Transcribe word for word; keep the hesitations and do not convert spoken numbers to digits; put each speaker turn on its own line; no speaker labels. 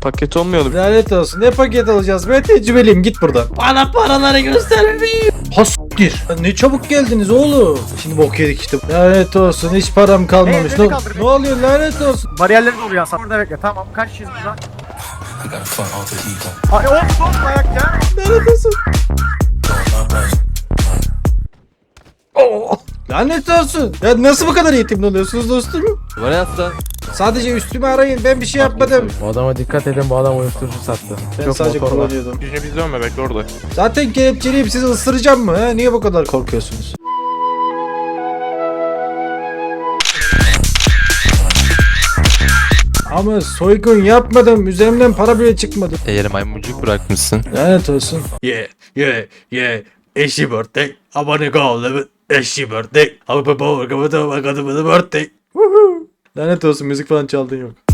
Paket olmuyordu.
Lanet olsun. Ne paket alacağız? Ben tecrübeliyim. Git buradan.
Bana paraları göstermeyin.
Hastir. Ne çabuk geldiniz oğlum. Şimdi bok yedik işte. Lanet olsun. Hiç param kalmamış.
Hey,
ne,
beni kaldır,
ne oluyor lanet olsun.
Bariyerleri doğru ya. Sen burada bekle. Tamam. Kaç kişiyiz burada? Ay oğlum son ayak ya.
Lanet olsun. Oh. Lanet olsun. Ya nasıl bu kadar eğitimli oluyorsunuz dostum?
Var ya hasta.
Sadece üstümü arayın. Ben bir şey yapmadım.
Bu adama dikkat edin, bu adam uyuşturucu sattı.
Ben
Çok
sadece
motor var.
kullanıyordum.
Yüzüne biz dönme bekle orada.
Zaten kelepçeleyip sizi ısıracağım mı? He? Niye bu kadar korkuyorsunuz? Ama soygun yapmadım. Üzerimden para bile çıkmadı.
Eğer maymuncuk bırakmışsın.
Lanet olsun. Yeah, yeah, yeah. Eşi birthday. I wanna go live it. Eşi birthday. I'm a power. I'm a birthday. Lanet olsun, müzik falan çaldın yok.